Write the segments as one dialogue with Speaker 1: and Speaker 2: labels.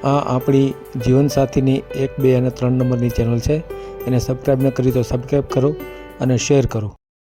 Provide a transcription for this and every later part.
Speaker 1: આ આપણી જીવનસાથીની 1, 2 અને 3 નંબરની ચેનલ છે. એને સબસ્ક્રાઈબ ન કરી તો સબસ્ક્રાઈબ કરો અને શેર કરો.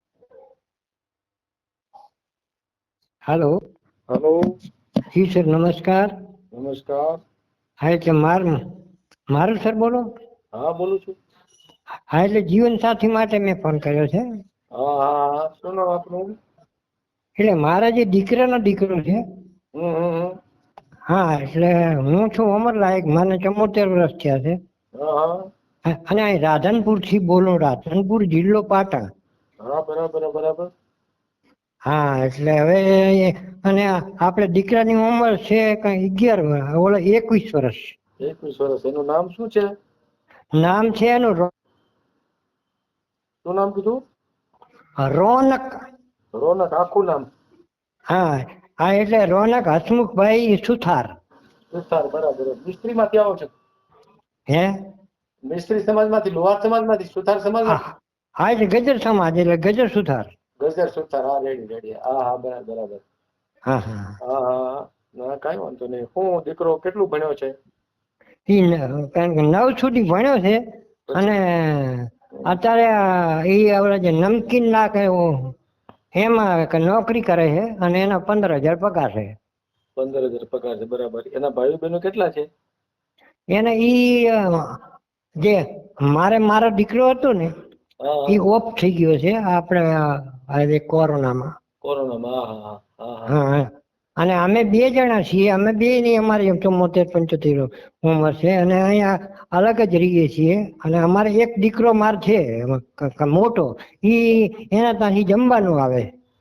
Speaker 2: हेलो
Speaker 3: हेलो
Speaker 2: जी सर नमस्कार.
Speaker 3: नमस्कार.
Speaker 2: હા એટલે મારું સર બોલો.
Speaker 3: હા બોલું છું.
Speaker 2: હા એટલે જીવન સાથી માટે મેં ફોન કર્યો છે.
Speaker 3: હા હા હા શું નામ આપનું?
Speaker 2: એટલે મારા જે દીકરાનો દીકરો છે.
Speaker 3: હમ.
Speaker 2: હા એટલે હું છું અમરલાયક, મને 74 વર્ષ થયા છે.
Speaker 3: હા
Speaker 2: અને અહીં રાધનપુર થી બોલો, રાધનપુર જિલ્લો પાટણ.
Speaker 3: હા બરાબર.
Speaker 2: હા એટલે હવે અને આપણે દીકરાની ઉંમર છે કઈ 11, ઓલો 21 વર્ષ.
Speaker 3: 21 વર્ષ. એનું નામ શું છે?
Speaker 2: નામ છે એનું
Speaker 3: શું નામ કીધું?
Speaker 2: રોનક.
Speaker 3: રોનક. આખું નામ?
Speaker 2: હા હા એટલે રોનક હસમુખભાઈ સુથાર.
Speaker 3: સુથાર. બરાબર. મિસ્ત્રી માંથી આવો છો?
Speaker 2: હે
Speaker 3: મિસ્ત્રી સમાજમાંથી, લુહાર સમાજમાંથી, સુથાર સમાજમાંથી?
Speaker 2: હા એટલે ગજર સમાજ, એટલે ગજર સુથાર.
Speaker 3: ગજર સુથાર. હા રેડી. હા બરાબર.
Speaker 2: હા હા
Speaker 3: હા ના કાંઈ વાંધો નહીં. હું દીકરો કેટલું ભણ્યો છે?
Speaker 2: કારણ કે 9 સુધી ભણ્યો છે. અને અત્યારે એ આપણે જે નમકીન નાખે એમાં નોકરી કરે છે અને એના 15,000 પગાર છે.
Speaker 3: 15,000 પગાર છે. બરાબર. એના ભાઈઓ બહેનો કેટલા છે?
Speaker 2: એને ઈ જે મારો દીકરો હતો ને
Speaker 3: હા
Speaker 2: એ ઓફ થઈ ગયો છે આપણે કોરોનામાં.
Speaker 3: કોરોનામાં. હા
Speaker 2: હા અને અમે 2 જણા છીએ. અમે બે ની અમારી 74-75 ઉંમર છે અને અહીંયા અલગ જ રહીએ છીએ. અને અમારે એક દીકરો છે મોટો, એના ત્યાંથી જમવાનું આવે.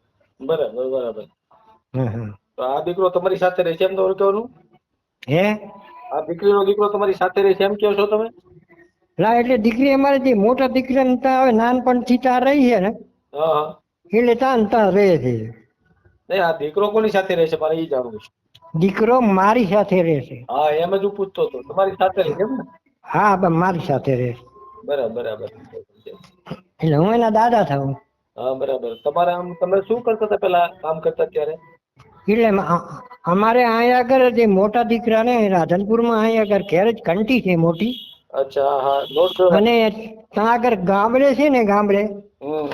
Speaker 3: બરાબર.
Speaker 2: હા.
Speaker 3: તો આ દીકરો તમારી સાથે રહે છે એમ તમારું કહેવાનું?
Speaker 2: હે
Speaker 3: આ દીકરો તમારી સાથે રહે છે એમ કહો છો તમે?
Speaker 2: ના એટલે દીકરી અમારે જે મોટા દીકરાને ત્યાં હવે નાનપણથી ત્યાં રહી છે ને,
Speaker 3: હા.
Speaker 2: એટલે ત્યાં રહે છે.
Speaker 3: નહીં, આ દીકરો કોની સાથે રહે છે મારે એ જાણવું છે.
Speaker 2: દીકરો મારી સાથે રહે છે.
Speaker 3: હા એમ જ હું પૂછતો હતો. તમારી સાથે રહે છે એમ ને?
Speaker 2: હા મારી સાથે રહે છે.
Speaker 3: બરાબર.
Speaker 2: એટલે હું એના દાદા થાઉં.
Speaker 3: હા બરાબર. તમારે આમ તમે શું કરતા હતા પેલા કામ કરતા ત્યારે?
Speaker 2: એટલે અમારે અહીંયા આગળ જે મોટા દીકરા ને રાધનપુરમાં અહીંયા આગળ ઘેર જ ઘંટી છે મોટી.
Speaker 3: અચ્છા. હા નોટ કરવા.
Speaker 2: અને ત્યાં આગળ ગામડે છે ને, ગામડે
Speaker 3: હમ.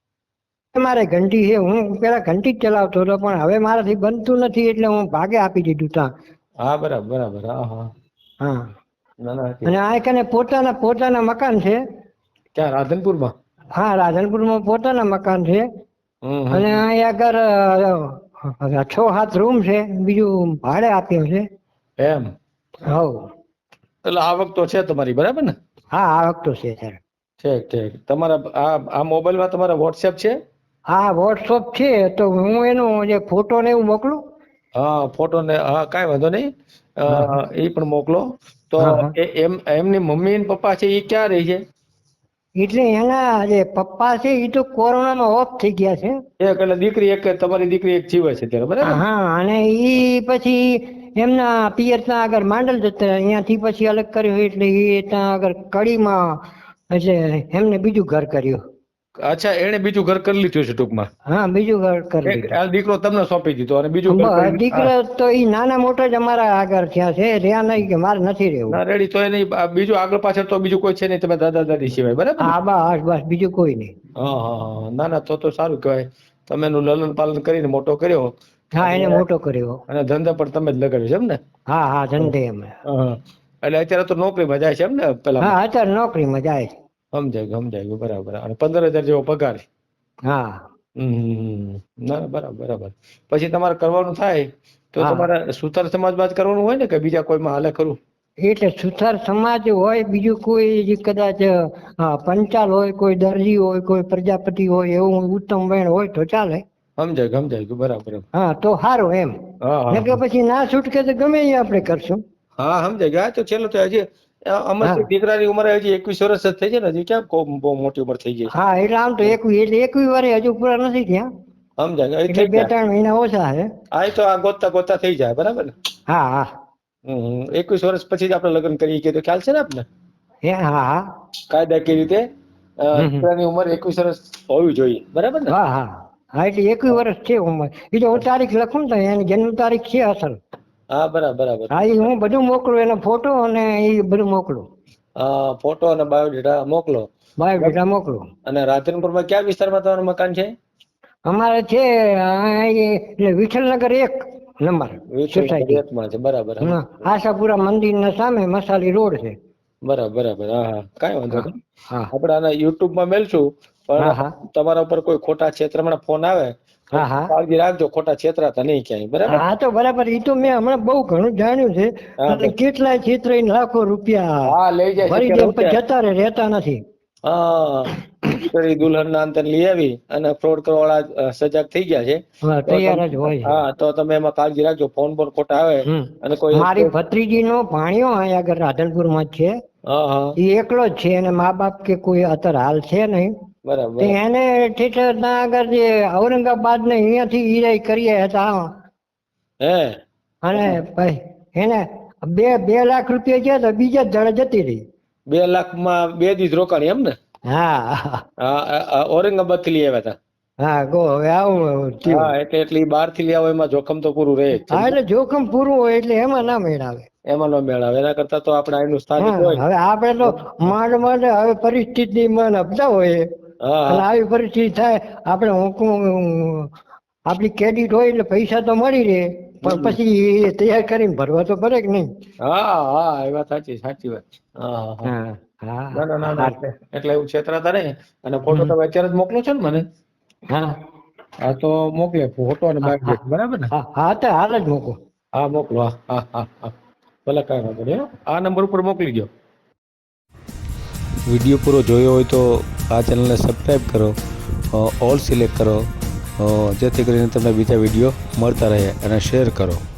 Speaker 2: મારે ઘંટી છે. હું પેલા ઘંટી જ ચલાવતો હતો, પણ હવે મારાથી બનતું નથી એટલે હું ભાગે આપી દીધું ત્યાં.
Speaker 3: હા બરાબર. હા.
Speaker 2: હા
Speaker 3: ના
Speaker 2: અને આ કને પોતાના મકાન છે.
Speaker 3: ક્યાં રાધનપુરમાં?
Speaker 2: હા રાધનપુરમાં પોતાના મકાન છે. અને
Speaker 3: હમ.
Speaker 2: અહીંયા આગળ 6-7 રૂમ છે. બીજું ભાડે આપ્યું છે.
Speaker 3: એમ
Speaker 2: હવ
Speaker 3: એટલે આવક તો છે તમારી, બરાબર ને?
Speaker 2: હા આવક તો છે સર.
Speaker 3: ઠીક. તમારા આ મોબાઈલમાં તમારા વોટ્સએપ છે?
Speaker 2: હા વોટ્સઅપ છે. તો હું એનું જે ફોટો ને એવું મોકલું?
Speaker 3: હા ફોટો ને હા કાંઈ વાંધો નહીં.
Speaker 2: હા હા
Speaker 3: એ પણ મોકલો. તો
Speaker 2: હા હા
Speaker 3: એમની મમ્મી અને પપ્પા છે એ ક્યાં રહે છે?
Speaker 2: એટલે એના જે પપ્પા છે એ તો કોરોનામાં ઓફ થઈ ગયા છે.
Speaker 3: એક એટલે દીકરી એક, તમારી દીકરી એક જીવે છે ત્યારે, બરાબર ને?
Speaker 2: હા અને ઈ પછી એમના પિયર ત્યાં આગળ માંડલ જતા, અહીંયાથી પછી અલગ કર્યું એટલે એ ત્યાં આગળ કડીમાં, એટલે એમને બીજું ઘર કર્યું.
Speaker 3: અચ્છા, એને બીજું ઘર કરી લીધું છે ટૂંકમાં.
Speaker 2: હા બીજું ઘર કરી લીધું.
Speaker 3: આ દીકરો તમને સોંપી દીધો અને બીજું ઘર કરી. હા
Speaker 2: દીકરા તો ઈ નાના મોટા જ અમારા આગળ થયા છે. રહ્યા નહીં કે મારે નથી રહેવું.
Speaker 3: ના રેડી. તો એની બીજું આગળ પાછળ તો બીજું કોઈ છે નહીં, તમે દાદા દાદી સિવાય, બરાબર ને?
Speaker 2: હા બસ બીજું કોઈ નહીં.
Speaker 3: હા. ના તો સારું કહેવાય. તમે એનું લલન પાલન કરીને મોટો કર્યો.
Speaker 2: હા એને
Speaker 3: અને
Speaker 2: મોટો કર્યો.
Speaker 3: ધંધા પણ તમે જ લગાડ્યો છે એમ ને?
Speaker 2: હા ધંધે અમે.
Speaker 3: હા. એટલે અત્યારે તો નોકરીમાં જાય છે એમ ને પેલામાં?
Speaker 2: હા અત્યારે નોકરીમાં જાય.
Speaker 3: સમજાય ગયું. બરાબર. અને 15,000 જેવો પગાર?
Speaker 2: હા.
Speaker 3: ના બરાબર. પછી તમારે કરવાનું થાય તો
Speaker 2: હા
Speaker 3: તમારે સુતાર સમાજમાં જ કરવાનું હોય ને, કે બીજા કોઈમાં હાલે ખરું? એટલે
Speaker 2: સુથાર સમાજ હોય, બીજું કોઈ કદાચ પંચાલ હોય, કોઈ દરજી હોય, કોઈ પ્રજાપતિ હોય, એવું ઉત્તમ વેણ હોય તો ચાલે.
Speaker 3: સમજાય ગયું. બરાબર.
Speaker 2: હા તો સારું એમ.
Speaker 3: હા.
Speaker 2: ને કે પછી ના છૂટકે તો ગમે એ આપણે કરશું.
Speaker 3: હા સમજાય ગયા. તો છેલ્લો તો હજી
Speaker 2: હા
Speaker 3: અમારી દીકરાની ઉંમર હજી 21 વર્ષ જ થઈ છે ને, હજી ક્યાં બહુ મોટી ઉંમર થઈ ગઈ છે.
Speaker 2: હા એટલે આમ તો 21 વર્ષ હજુ પૂરા નથી થયા.
Speaker 3: સમજાય એ
Speaker 2: એટલે
Speaker 3: થઈ ગયા.
Speaker 2: 2-3 મહિના ઓછા છે.
Speaker 3: હા એ તો આ ગોતતા થઈ જાય, બરાબર ને?
Speaker 2: હા.
Speaker 3: 21 વર્ષ પછી જ આપણે લગ્ન કરીએ કે તો ખ્યાલ છે ને આપને?
Speaker 2: હા.
Speaker 3: કાયદાકીય રીતે
Speaker 2: હમ.
Speaker 3: દીકરાની ઉંમર 21 વર્ષ હોવી જોઈએ, બરાબર ને?
Speaker 2: હા એટલે 21 વર્ષ છે ઉંમર. એ તો હું તારીખ લખું ને તો એની જન્મ તારીખ છે અસલ.
Speaker 3: હા બરાબર બરાબર.
Speaker 2: હા એ હું બધું મોકલું, એનો ફોટો અને એ બધું મોકલું,
Speaker 3: ફોટો અને બાયોડેટા મોકલો.
Speaker 2: બાયોડેટા મોકલું.
Speaker 3: અને રાધનપુરમાં કયા વિસ્તારમાં તમારું મકાન છે?
Speaker 2: અમારે છે એટલે વિઠ્ઠલનગર 1 નંબર સોસાયટી.
Speaker 3: વિઠ્ઠલમાં છે, બરાબર. હા,
Speaker 2: આશાપુરા મંદિરના સામે મસાલી રોડ છે.
Speaker 3: બરાબર બરાબર. હા હા, કાંઈ વાંધો
Speaker 2: હા
Speaker 3: નહીં.
Speaker 2: હા
Speaker 3: આપણે આના યુટ્યુબમાં મેલશું,
Speaker 2: હા
Speaker 3: પણ
Speaker 2: હા
Speaker 3: તમારા ઉપર કોઈ ખોટા છેતરમણા ફોન આવે તો
Speaker 2: હા હા
Speaker 3: કાળજી રાખજો, ખોટા છેતરાતા નહીં ક્યાંય. બરાબર.
Speaker 2: હા તો બરાબર, એ તો મેં હમણાં બહુ ઘણું જાણ્યું છે.
Speaker 3: હા
Speaker 2: અને
Speaker 3: બસ.
Speaker 2: કેટલાય છેતરાઈને લાખો રૂપિયા
Speaker 3: હા, લઈ જાય
Speaker 2: ભરી
Speaker 3: છે
Speaker 2: દે
Speaker 3: હું
Speaker 2: પણ
Speaker 3: છે.
Speaker 2: જતા રહેતા નથી.
Speaker 3: હા, દીકરી દુલ્હનના અંતર લઈ આવી અને ફ્રોડ કરવાવાળા સજાગ થઈ ગયા છે.
Speaker 2: હા
Speaker 3: તો
Speaker 2: તૈયાર જ હોય છે.
Speaker 3: હા, તો તમે એમાં કાળજી રાખજો, ફોન પર ખોટા આવે અને કોઈ.
Speaker 2: મારી ભત્રીજીનો ભાણિયો અહીંયા આગળ રાધનપુરમાં જ છે.
Speaker 3: હા હા,
Speaker 2: એ એકલો જ છે, અને મા બાપ કે કોઈ અત્યારે હાલ છે નહીં.
Speaker 3: બરાબર
Speaker 2: તો
Speaker 3: બરાબર.
Speaker 2: એને ઠેઠર ત્યાં આગળ જે ઔરંગાબાદ ને અહીંયાથી ઈરાય કરીએ હતા.
Speaker 3: હે
Speaker 2: અને ભાઈ એને 2 લાખ રૂપિયા ગયા તો બીજા જ દાડે જતી રહી.
Speaker 3: 2 લાખમાં 2 દિવસ રોકાણી એમ ને?
Speaker 2: હા
Speaker 3: હા, ઔરંગાબાદ થી લઈ આવ્યા હતા.
Speaker 2: હા ગો હવે આવું થયું.
Speaker 3: હા, એટલે બહાર થી લઈ આવો એમાં જોખમ તો પૂરું રહે જ છે.
Speaker 2: હા એટલે જોખમ પૂરું હોય એટલે એમાં ના મેળ આવે.
Speaker 3: એમાં નો મેળ આવે. એના કરતા તો આપણે અહીંનું સ્થાનિક
Speaker 2: હા
Speaker 3: હોય.
Speaker 2: હવે આપણે તો માંડ માંડ હવે પરિસ્થિતિ માં નપતા હોય,
Speaker 3: હા
Speaker 2: અને
Speaker 3: હા
Speaker 2: આવી પરિસ્થિતિ થાય આપણે આપણી ક્રેડિટ હોય એટલે પૈસા તો મળી રહે, પણ
Speaker 3: હમ.
Speaker 2: પછી એ તૈયાર કરીને ભરવા તો પડે કે નહીં.
Speaker 3: હા હા, એ વાત સાચી, સાચી વાત છે. હા હા હા.
Speaker 2: હા
Speaker 3: ના ના ના ના,
Speaker 2: હા
Speaker 3: એટલે એવું છેતરાતા નહીં. અને ફોટો તમે અત્યારે જ મોકલો છો ને મને?
Speaker 2: હા
Speaker 3: હા, તો મોકલે ફોટો અને
Speaker 2: હા
Speaker 3: બાયોડેટા, બરાબર ને?
Speaker 2: હા હા તો હાલ જ મૂકો.
Speaker 3: હા મોકલો. હા હા હા હા, ભલે, કાંઈ વાંધો નહીં. આ નંબર ઉપર મોકલી દો.
Speaker 1: વિડીયો પૂરો જોયો હોય તો આ ચેનલને સબસ્ક્રાઈબ કરો, ઓલ સિલેક્ટ કરો, જેથી કરીને તમને બીજા વિડીયો મળતા રહે, અને શેર કરો.